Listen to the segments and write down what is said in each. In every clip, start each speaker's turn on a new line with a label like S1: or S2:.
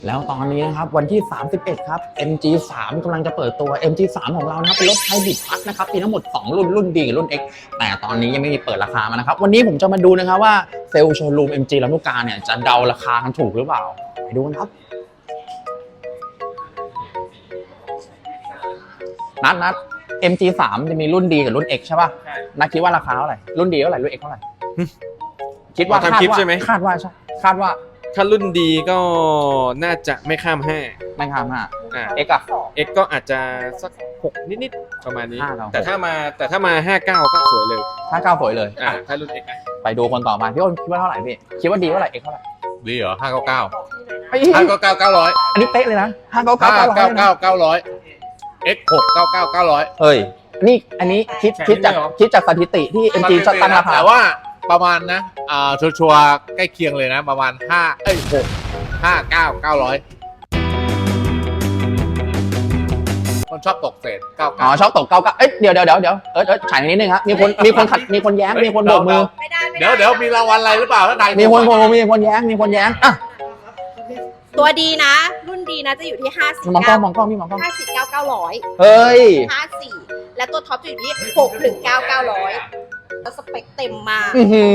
S1: แล้วตอนนี้นะครับวันที่ 31 ครับ MG3 กำลังจะเปิดตัว MG3 ของเรานะครับเป็นรถไฮบริดพัดนะครับมีทั้งหมด2รุ่นDกับรุ่น X แต่ตอนนี้ยังไม่มีเปิดราคามานะครับวันนี้ผมจะมาดูนะครับว่าเซลล์โชว์รูม MG ลำลูกกาเนี่ยจะเดาราคากันถูกหรือเปล่าไปดูกันครับนัด MG3 จะมีรุ่นDกับรุ่น X ใช่ป่ะนัดคิดว่าราคาเท่าไหร่รุ่นDเท่าไหร่รุ่น X เท่าไหร่คิดว่า
S2: ทำคลิปใช่ไหม
S1: คาดว่าใช่คาดว่า
S2: ถ้ารุ่นดีก็น่าจะไม่ข้าม
S1: ไม่ข้าม5 X อ่ะ
S2: X ก็อาจจะสัก6นิดๆประมาณนี้แต่ถ้ามา59ก็สวยเลย
S1: 59สวยเลย
S2: ถ้ารุ่น X
S1: ไปดูคนต่อมาพี่อ้นคิดว่าเท่าไหร่พี่คิดว่าดีเท่าไหร่ X เท่าไหร่
S2: ดีเหรอ599
S1: อันนี้เป๊ะเลยนะ
S2: 599 X 699 900
S1: เฮ้ยนี่อันนี้คิดจากสถิติที่ MG ตั้งราคา
S3: แต่ว่าประมาณนะชัวร์ใกล้เคียงเลยนะประมาณ900คนชอบตกเศษ99
S1: ชอบตก99เดี๋ยวฉายนิดนึงครับมีคนแย้งมีคนโบกมือ
S3: เดี๋ยวมีรางวัลอะไรหรือเปล่าถ้าใคร
S1: มีคนแย้งอ่ะ
S4: ตัวดีนะรุ่นดีนะจะอยู่ที่
S1: มองกล้องพี่มองกล้อง
S4: 59,900
S1: เฮ้ย
S4: 54และตัวท็อปจะอยู่ที่619,900แล้วสเปคเต็มมาก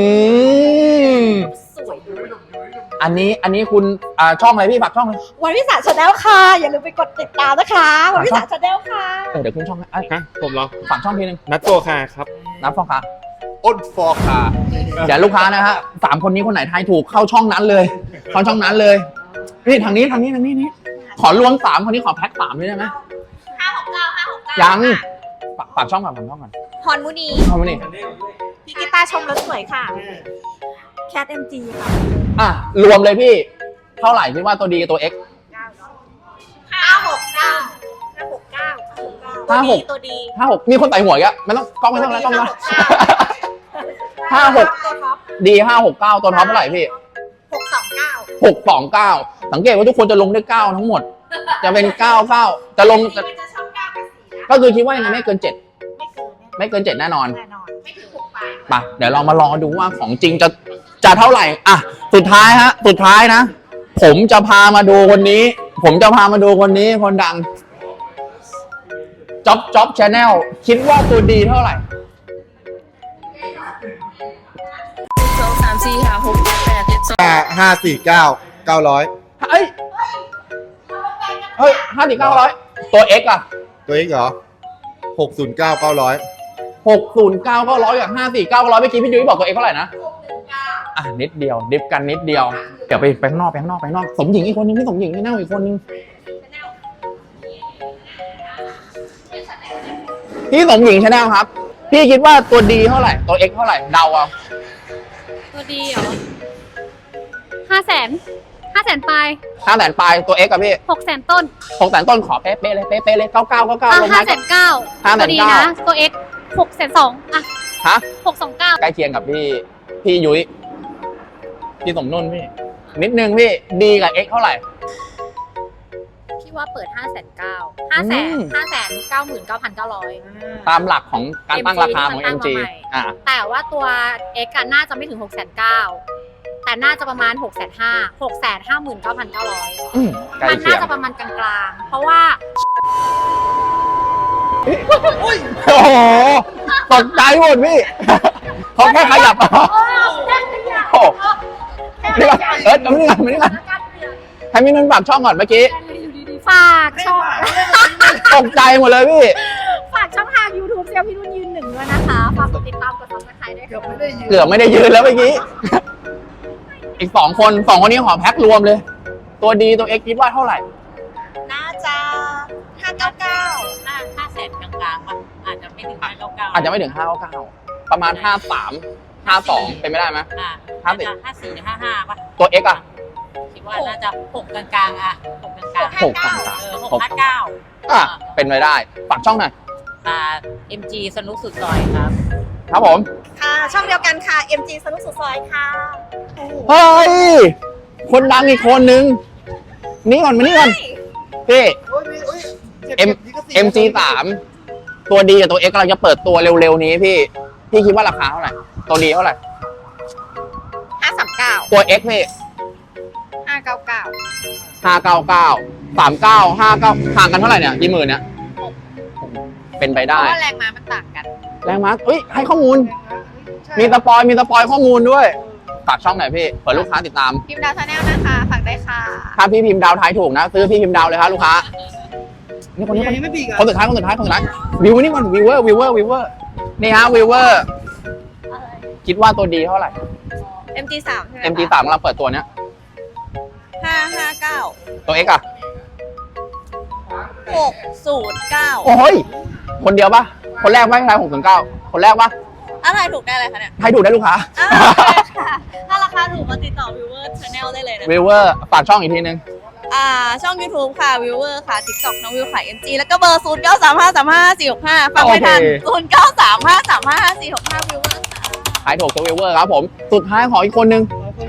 S4: สวย
S1: อันนี้คุณช่องอะไรพี่ฝากช่องเลย
S4: วันวิสาชาแนลค่ะอย่าลืมไปกดติดตามนะคะวันวิสาชาแนลค่ะ
S1: เดี๋ยวขึ้นช่อง
S2: ผมเหรอ
S1: ฝากช่องทีนึง
S2: นัดโฟคาครับ
S1: นัดโฟคา
S3: อ้นฟอคา
S1: อย่าลูกค้านะฮะ3คนนี้คนไหนทายถูกเข้าช่องนั้นเลยนี่ทางนี้ขอรวม3คนนี้ขอแพ็ค3เลยได้ไหม
S4: 569
S1: ยังฝากช่องก่อน
S4: พรมุนีพี่กีตาร์ชมแล้วสวยค่ะแคท MG ค่ะ
S1: รวมเลยพี่เท่าไหร่คิดว่าตัวดีกับตัว X
S4: 569ตัวดี
S1: 56มีคนใส่หัวอีกอ่ะไม่ต้องกล้องไม่ต้องแล้ว56ดี569ตัวท็อปเท่าไหร่พี่629สังเกตว่าทุกคนจะลงด้วย9ทั้งหมดจะเป็น99จะลงก็คือคิดว่ายังไงไม่เกิน7ไม่เกิน7แน่นอนไปเดี๋ยวเรามารอดูว่าของจริงจะเท่าไหร่สุดท้ายนะผมจะพามาดูคนนี้คนดังจ๊อบชาแนลคิดว่าตัวดีเท่าไหร่
S3: 549 900
S1: เฮ้ย54900ตัว X อ่ะ
S3: ตัว X เหรอ609 900
S1: 609 900กับ549 900เมื่อกี้พี่ยุ้ยบอกตัว X เท่าไหร่นะนิดเดียวดิฟกันนิดเดียวเดี๋ยวไปข้างนอกสมหญิงอีกคนนึงพี่สมหญิงไม่แน่อีกคนนึงพี่สมหญิงชาแนลครับพี่คิดว่าตัวดีเท่าไหร่ตัว X เท่าไหร่เดาเอา
S4: ตัวดีเหรอ500,000 ปลาย
S1: ตัว X กับพี่
S4: 600,000 ต้น
S1: ขอเป๊ะเลย99ลงมา
S4: 509,000ดีนะตัว X 620,000
S1: ฮะ
S4: 629
S1: ใกล้เคียงกับพี่ยุ้ยพี่สมนุ่นพี่นิดนึงพี่ดีกับ X เท่าไหร่
S4: พี่ว่าเปิด599,900ต
S1: ามหลักของการตั้งราคาของ MG
S4: แต่ว่าตัว X น่าจะไม่ถึง609,000แต่น่าจะประมาณ659,900มันน่าจะประมาณกลางๆเพราะว่า
S1: โอ้โหตกใจหมดพี่เขาแค่ขยับนี่ว่าไม่ได้ให้มีนุ่นฝากช่องก่อนเมื่อกี้
S4: ฝากช่อง
S1: ตกใจหมดเลยพี่
S4: ฝากช่องทาง YouTube เซลพี่นุ่นยืน1ด้วยนะคะฝากกดติดตามกด Subscribe ด้วย
S1: เกือบไม่ได้ยืนแล้วเมื่อกี้อีก2คนนี้ขอแพ็ครวมเลยตัวดีตัว X คิดว่าเท่าไหร่
S4: น่าจะ599,000 กลางๆอาจจะไม่ถึง599
S1: ประมาณ53 52เป็นไม่ได้ไหม
S4: 54 55ป่ะ
S1: ตัว X
S4: คิดว่าน่าจะ6กลางๆ6กลาง
S1: 659เป็นไปได้ฝากช่องหน่อย
S4: MG สนุกสุดซอยครับ
S1: ผม
S4: ค่ะช่องเดียวกันค่ะ MG สนุกสุดซอยค่ะ
S1: เฮ้ยคนดังอีกคนนึงนี่ก่อนพี่MG3 ตัวดีกับตัว X กำลังจะเปิดตัวเร็วๆนี้พี่คิดว่าราคาเท่าไหร่ตัวดีเท่าไหร่
S4: 539
S1: ตัว X พี่
S4: 599
S1: ห่างกันเท่าไหร่เนี่ยกี่หมื่นเนี่ยเป็นไป
S4: เพ
S1: ได้
S4: ราะว่าแรงม้ามันต่างกัน
S1: แรงม้าเอ้ยให้ข้อมูล มีสปอยข้อมูลด้วยฝากช่องหน่อยพี่เผื่อลูกค้าติดตาม
S4: พิมพ์ดาวชาแนลนะคะฝากได้ค่ะ
S1: ถ้าพี่พิมพ์ดาวทายถูกนะซื้อพี่พิมพ์ดาวเลยครับลูกค้านี่คนสุดท้ายวิวนี่ก่อนวิวเวอร์นี่ฮะวิวเวอร์คิดว่าตัวดีเท่าไหร่
S4: MG3 ใช่ไหม
S1: MG3 กำลังเปิดตัวเนี้ย
S4: 559
S1: ตัว X อ่ะ
S4: 609
S1: โอ้ยคนเดียวปะคนแรกไม่ใช่609คนแรกปะ
S4: อะไรถูกได้เลยคะเนี่ย
S1: ทายถูกได้ลูกค้า
S4: ค่ะถ้าราคาถูกมาติดต่อ Viewer Channel ได้เลยนะ
S1: วิวเวอร์ฝากช่องอีกทีนึง
S4: ช่อง YouTube ค่ะ Viewer ค่ะ TikTok น้องวิวขาย MG แล้วก็เบอร์ 0935355465 ฟังไม่ทัน 0935355465 Viewer ค่ะ
S1: ขายถูกตัววิวเวอร์ครับผมสุดท้ายขออีกคนนึง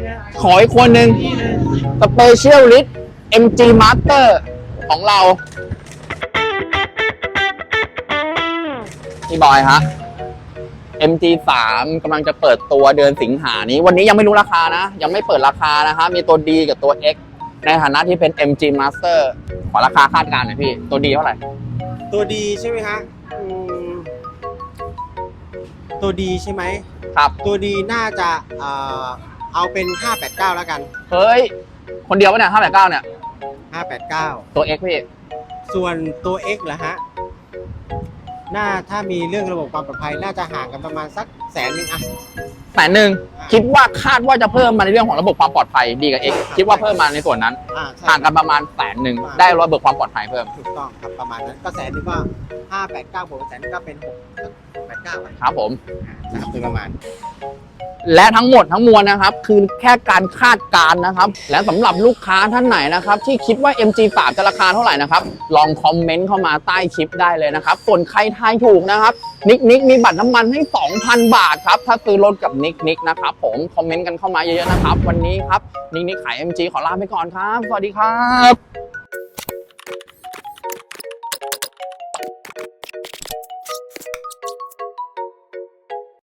S1: สเปเชียลลิสต์ MG Master ของเราพี่บอยฮะ MG3 กำลังจะเปิดตัวเดือนสิงหานี้วันนี้ยังไม่รู้ราคานะยังไม่เปิดราคานะคะมีตัว D กับตัว X ในฐานะที่เป็น MG Master ขอราคาคาดการณ์หน่อยพี่ตัวดีเท่าไหร่
S5: ตัวดีใช่ไหมฮะตัวดีใช่ไหม
S1: ครับ
S5: ตัวดีน่าจะเอาเป็น 589 แล้วกัน
S1: เฮ้ยคนเดียวปะเนี่ย589เนี่ย
S5: 589
S1: ตัว X พี่
S5: ส่วนตัว X เหรอฮะถ้ามีเรื่องระบบความปลอดภัยน่าจะห่างกันประมาณสัก100,000อะ
S1: 100,000คิดว่าคาดว่าจะเพิ่มมาในเรื่องของระบบความปลอดภัยดีกับ X คิดว่าเพิ่มมาในส่วนนั้น
S5: ใช่
S1: ห่างกันประมาณ100,000ได้ระบบความปลอดภัยเพิ่ม
S5: ถูกต้องครับประมาณนั้นก็100,000ก็589บวก100,000ก็เป็น689
S1: ครับผม
S5: คือประมาณ
S1: และทั้งหมดทั้งมวลนะครับคือแค่การคาดการณ์นะครับและสำหรับลูกค้าท่านไหนนะครับที่คิดว่า MG3 จะราคาเท่าไหร่นะครับลองคอมเมนต์เข้ามาใต้คลิปได้เลยนะครับส่วนใครทายถูกนะครับนิกมีบัตรน้ำมันให้ 2,000 บาทครับถ้าซื้อรถกับนิกนะครับผมคอมเมนต์กันเข้ามาเยอะๆนะครับวันนี้ครับนิกขาย MG ขอลาไปก่อนครับสวัสดีครับ